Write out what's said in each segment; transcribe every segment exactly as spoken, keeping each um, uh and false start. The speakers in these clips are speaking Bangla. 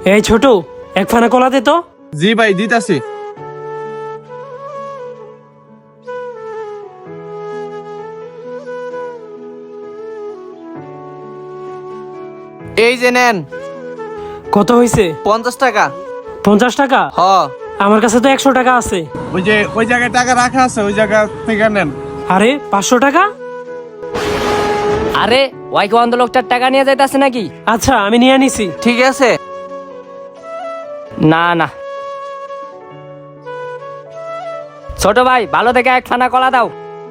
এই ছোট, এক ফানা কলা দে তো। জি ভাই দিতাছি। এই যে নেন। কত হয়েছে? পঞ্চাশ টাকা। পঞ্চাশ টাকা? হ। আমার কাছে তো একশো টাকা আছে। ওই যে ওই জায়গায় টাকা রাখা আছে, ওই জায়গা থেকে নেন। আরে পাঁচশো টাকা? আরে ওই কি অন্ধ লোকটার টাকা নিয়ে যাইতাছে নাকি? আচ্ছা আমি নিয়ে নিছি। ঠিক আছে। না না, ছোট ভাই ভালো থেকে এক ফানা কলা দাও।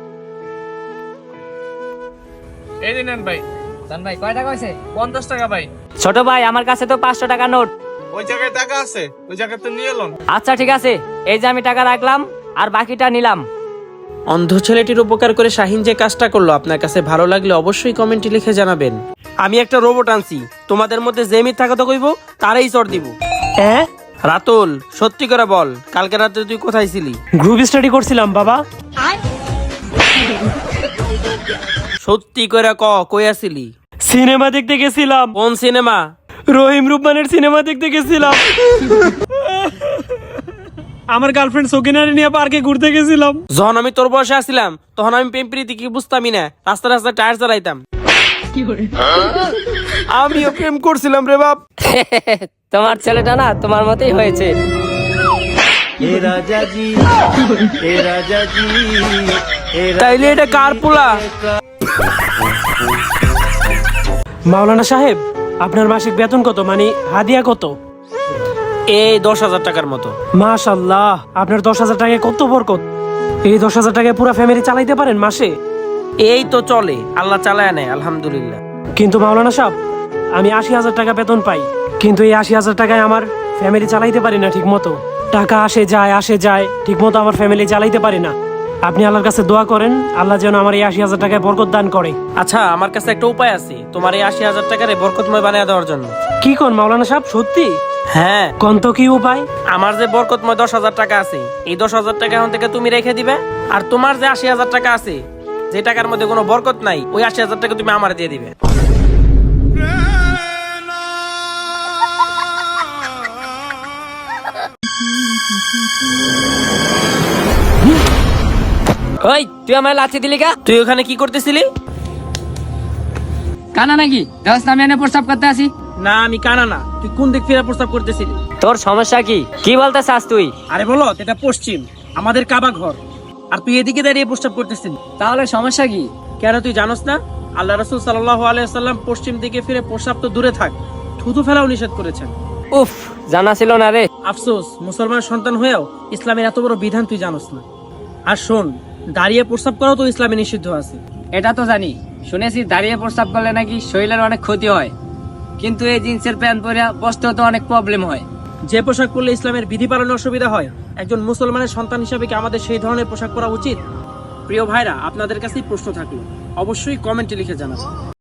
এই যে নেন ভাই। জান ভাই কয় টাকা হয়েছে? পঞ্চাশ টাকা ভাই। ছোট ভাই আমার কাছে তো পাঁচশো টাকা নোট। ওই জায়গায় টাকা আছে, ওই জায়গাতে নিয়ে এলন। আচ্ছা ঠিক আছে, এই যে আমি টাকা রাখলাম আর বাকিটা নিলাম। অন্ধ ছেলেটির উপকার করে শাহিন যে কাজটা করলো আপনার কাছে ভালো লাগলে অবশ্যই কমেন্টে লিখে জানাবেন। আমি একটা রোবট আনছি, তোমাদের মধ্যে যে মিথ্যা কথা কইব তারাই চড় দিব। হ্যাঁ রাতুল সত্যি করে বল, কালকে রাতে তুই কোথায় ছিলি? গ্রুপ স্টাডি করছিলাম বাবা। সত্যি করে ক, কই আছিলি? সিনেমা দেখতে গেছিলাম। কোন সিনেমা? রহিম রুব্বানের সিনেমা দেখতে গেছিলাম। আমার গার্লফ্রেন্ড সকিনারে নিয়ে পার্কে ঘুরতে গেছিলাম। যখন আমি তোর বয়সে আসছিলাম তখন আমি প্রেম প্রীতি কি বুঝতামই না, রাস্তা রাস্তা টায়ার চালাইতাম। আমিও প্রেম করছিলাম রে বাপ। তোমার ছেলেটা না তোমার মতোই হয়েছে। তাইলে এটা কার পোলা? মাওলানা সাহেব, আপনার মাসিক বেতন কত, মানে হাদিয়া কত? এই দশ হাজার টাকার মতো। মাশাআল্লাহ, আপনার দশ হাজার টাকায় কত বরকত। এই দশ হাজার টাকায় পুরো ফ্যামিলি চালাইতে পারেন মাসে? এই তো চলে, আল্লাহ চালায় নেয় আলহামদুলিল্লাহ। কিন্তু মাওলানা সাহেব, আমি আশি হাজার টাকা বেতন পাই, কিন্তু এই আশি হাজার টাকায় আমার ফ্যামিলি চালাইতে পারি না ঠিক মতো। টাকা আসে যায় আসে যায়, ঠিক মতো আমার ফ্যামিলি চালাইতে পারি না। আপনি আল্লাহর কাছে দোয়া করেন, আল্লাহ যেন আমার এই আশি হাজার টাকায় বরকত দান করে। আচ্ছা আমার কাছে একটা উপায় আছে তোমার এই আশি হাজার টাকারে বরকতময় বানিয়ে দেওয়ার জন্য। কি কোন মাওলানা সাহেব, সত্যি? হ্যাঁ, কোন তো কি উপায়? আমার যে বরকতময় দশ হাজার টাকা আছে, এই দশ হাজার টাকা এখন থেকে তুমি রেখে দিবে, আর তোমার যে আশি হাজার টাকা আছে, যে টাকার মধ্যে কোনো বরকত নাই, ওই আশি হাজার টাকা তুমি আমার দিয়ে দিবে। ওই তুই আমার লাথি দিলি কা? তুই ওখানে কি করতেছিলি? কানা নাকি দশ নামে এনে প্রস্তাব করতে আসি? না আমি কানা না, তুই কোন দিক ফিরে প্রস্তাব করতেছিলি? তোর সমস্যা কি? কি বলতে চাস তুই? আরে বলো, এটা পশ্চিম, আমাদের কাবা ঘর, আর তুই এদিকে দাঁড়িয়ে প্রস্তাব করতেছিলি। তাহলে সমস্যা কি? কেন তুই জানোস না আল্লাহ রাসূল সাল্লাল্লাহু আলাইহি ওয়াসাল্লাম পশ্চিম দিকে ফিরে প্রস্তাব তো দূরে থাক, থুতু ফেলাও নিষেধ করেছেন। উফ, জানা ছিল না রে। আফসোস, মুসলমান সন্তান হয়েও ইসলামের এত বড় বিধান তুই জানোস না। আর শোন, দাঁড়িয়ে প্রস্তাব করাও তো ইসলামে নিষিদ্ধ আছে। এটা তো জানি, শুনেছি দাঁড়িয়ে প্রস্তাব করলে নাকি শরীরের অনেক ক্ষতি হয়, কিন্তু এই জিন্সের প্যান্ট পরে বসতেও তো অনেক প্রবলেম হয়। যে পোশাক পরলে ইসলামের বিধি পালনে অসুবিধা হয়, একজন মুসলমানের সন্তান হিসাবে কি আমাদের সেই ধরনের পোশাক পরা উচিত? প্রিয় ভাইরা, আপনাদের কাছেই প্রশ্ন থাকলো, অবশ্যই কমেন্টে লিখে জানাবেন।